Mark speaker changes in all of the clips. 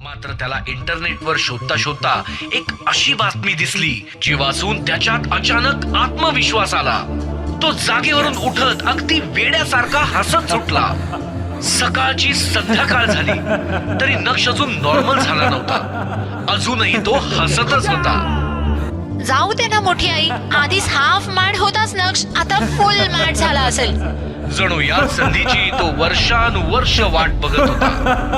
Speaker 1: मात्र त्याला इंटरनेटवर शोधता शोधता एक अशी बातमी दिसली जी वाचून त्याच्यात अचानक आत्मविश्वास आला. तो जागेवरून उठत अगदी वेड्यासारखा हसत सुटला. सकाळची संध्याकाळ झाली तरी नक्ष अजून नॉर्मल झाला नव्हता. अजूनही तो हसतच होता.
Speaker 2: जाऊ दे ना मोठी आई, आधीच हाफ मॅड होताच नक्ष, आता फुल मॅड झाला असेल.
Speaker 1: जणू या संधीची तो वर्षानुवर्ष वाट बघत होता.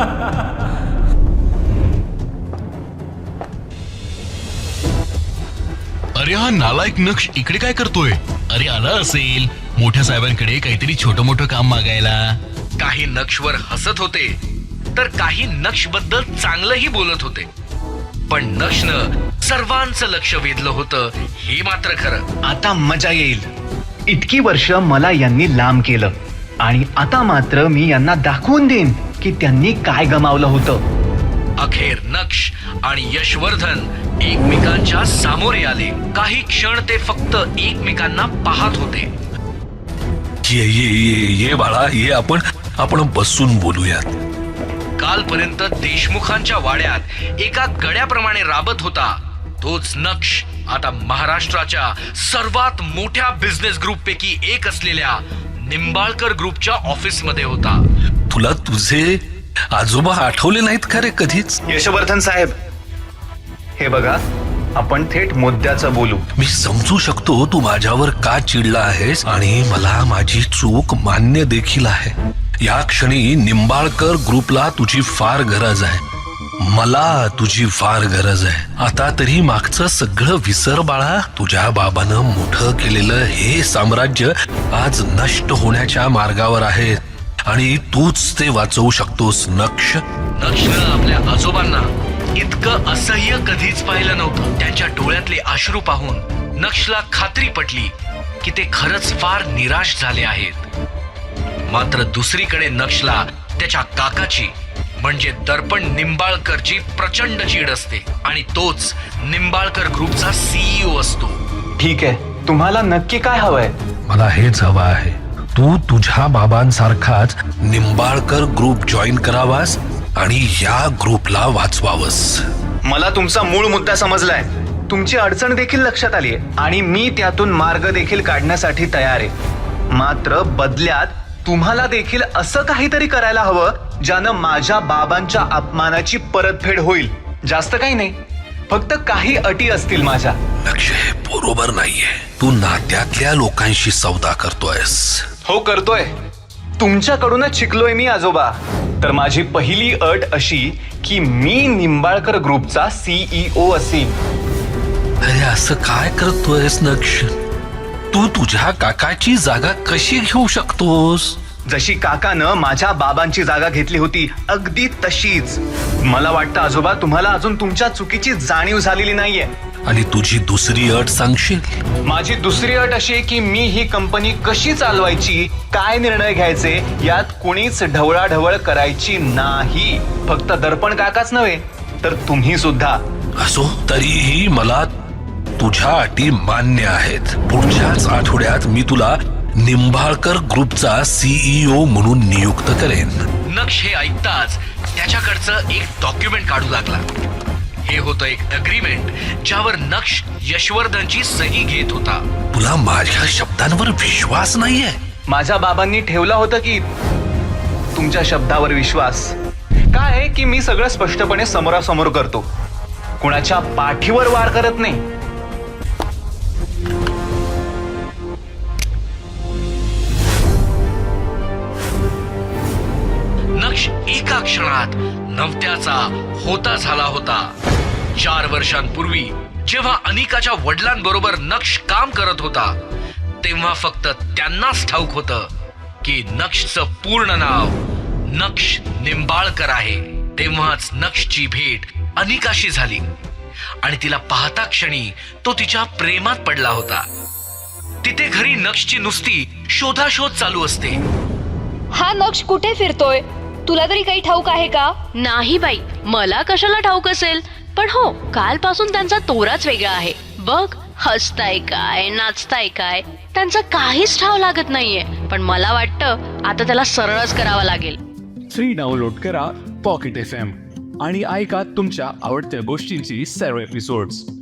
Speaker 3: अरे हा नालायक नक्ष इकडे काय करतोय? अरे आला असेल मोठ्या साहेबांकडे काहीतरी छोटं मोठं काम मागायला.
Speaker 1: काही नक्षवर हसत होते तर काही नक्ष बद्दल चांगलंही बोलत होते. पण नक्षनं सर्वांचं लक्ष वेधलं होतं हे मात्र खरं.
Speaker 4: आता मजा येईल. इतकी वर्ष मला यांनी लांब केलं आणि आता मात्र मी यांना दाखवून देईन की त्यांनी काय गमावलं होतं.
Speaker 1: अखेर नक्ष आणि यशवर्धन एकमेकांच्या सामोरे आले. काही क्षण ते फक्त एकमेकांना पाहत होते.
Speaker 5: ये ये ये ये बाळा ये, आपण बसून बोलूयात.
Speaker 1: कालपर्यंत देशमुखांच्या वाड्यात एका गड्याप्रमाणे राबत होता तोच नक्ष आता महाराष्ट्राच्या सर्वात मोठ्या बिझनेस ग्रुप पैकी एक असलेल्या निंबाळकर ग्रुपच्या ऑफिस मध्ये होता.
Speaker 5: तुला तुझे आजोबा आठवले नाहीत का रे कधीच?
Speaker 4: यशवर्धन साहेब, हे बघा, आपण थेट मुद्द्याचं बोलू.
Speaker 5: मी समजू शकतो तू माझ्यावर का चिडला आहेस आणि मला माझी चूक मान्य देखील आहे. या क्षणी निंबाळकर ग्रुपला तुझी फार गरज आहे. मला तुझी फार गरज आहे. आता तरी मागचं सगळं विसर बाळा. तुझ्या बाबानं मोठं केलेलं हे साम्राज्य आज नष्ट होण्याच्या मार्गावर आहे आणि तूच ते वाचवू शकतोस नक्ष.
Speaker 1: नक्षनं आपल्या आजोबांना इतकं असह्य कधीच पाहिलं नव्हतं. त्यांच्या डोळ्यातले अश्रू पाहून नक्षला खात्री पटली की ते खरंच फार निराश झाले आहेत. मात्र दुसरीकडे नक्षला त्याच्या काकाची म्हणजे दर्पण निंबाळकरची प्रचंड चीड असते आणि तोच निंबाळकर ग्रुपचा सीईओ असतो.
Speaker 4: ठीक आहे, तुम्हाला नक्की काय हवंय?
Speaker 5: मला हेच हवं आहे. तू तुझ्या बाबांसारखाच निंबाळकर ग्रुप जॉईन करावास आणि या ग्रुपला वाचवावस.
Speaker 4: मला तुमचा मूळ मुद्दा समजलाय. तुमची अडचण देखील लक्षात आली आहे आणि मी त्यातून मार्ग देखील काढण्यासाठी तयार आहे. मात्र बदल्यात तुम्हाला देखील असं काहीतरी करायला हवं ज्यानं माझ्या बाबांच्या अपमानाची परतफेड होईल. जास्त काही नाही, फक्त काही अटी असतील माझ्या.
Speaker 5: लक्ष, हे बरोबर नाहीये. तू नात्यातल्या लोकांशी सौदा करतोयस.
Speaker 4: हो, करतोय. तुमच्याकडूनच शिकलोय मी आजोबा. तर माझी पहिली अट अशी की मी निंबाळकर ग्रुपचा सीईओ असीन.
Speaker 5: अरे असं काय करतोयस नक्ष? तू तुझ्या काकाची जागा कशी घेऊ शकतोस?
Speaker 4: जशी काकानं माझ्या बाबांची जागा घेतली होती अगदी तशीच. मला वाटतं आजोबा तुम्हाला अजून तुमच्या चुकीची जाणीव झालेली नाहीये.
Speaker 5: आणि तुझी दुसरी अट सांगशील?
Speaker 4: माझी दुसरी अट अशी की मी ही कंपनी कशी चालवायची, काय निर्णय घ्यायचे यात कुणीच ढवळाढवळ करायची नाही. फक्त दर्पण काकाच नव्हे तर तुम्ही सुद्धा.
Speaker 5: असो, तरीही मला तुझ्या अटी मान्य आहेत. पुढच्याच आठवड्यात मी तुला निंबाळकर ग्रुपचा सीईओ म्हणून नियुक्त करेन.
Speaker 1: नक्ष हे ऐकताच त्याच्याकडचं एक डॉक्युमेंट काढू लागला. हे होतं एक अग्रीमेंट ज्यावर नक्ष यशवर्धनची सही घेत होता.
Speaker 5: तुला माझ्या शब्दांवर विश्वास नाहीये?
Speaker 4: माझ्या बाबांनी ठेवला होता की तुमच्या शब्दावर विश्वास. काय आहे की मी सगळं स्पष्टपणे समोरासमोर करतो, कुणाच्या पाठीवर वार करत नाही.
Speaker 1: नक्ष एका क्षणात नव्हत्याचा होता झाला होता. 4 वर्षांपूर्वी जेव्हा अनिकाच्या वडिलांबरोबर नक्ष काम करत होता तेव्हा फक्त त्यांनाच ठाऊक होतं की नक्षचं पूर्ण नाव नक्ष निंबाळकर आहे. तेव्हाच नक्षची भेट अनिकाशी झाली आणि तिला पाहता क्षणी तो तिच्या प्रेमात पडला होता. तिथे घरी नक्षची नुसती शोधाशोध चालू असते.
Speaker 6: हा नक्ष कुठे फिरतोय? तुला तरी काही ठाऊक आहे का?
Speaker 2: नाही बाई, मला कशाला ठाऊक असेल. पण हो, कालपासून त्यांचा तोराच वेगळा आहे. बघ, हसताय काय, नाचताय काय, त्यांचा काहीच ठाव लागत नाहीये. पण मला वाटतं आता त्याला सरळच करावा लागेल.
Speaker 7: फ्री डाउनलोड करा पॉकेट FM आणि ऐका तुमच्या आवडत्या गोष्टींची सर्व एपिसोड्स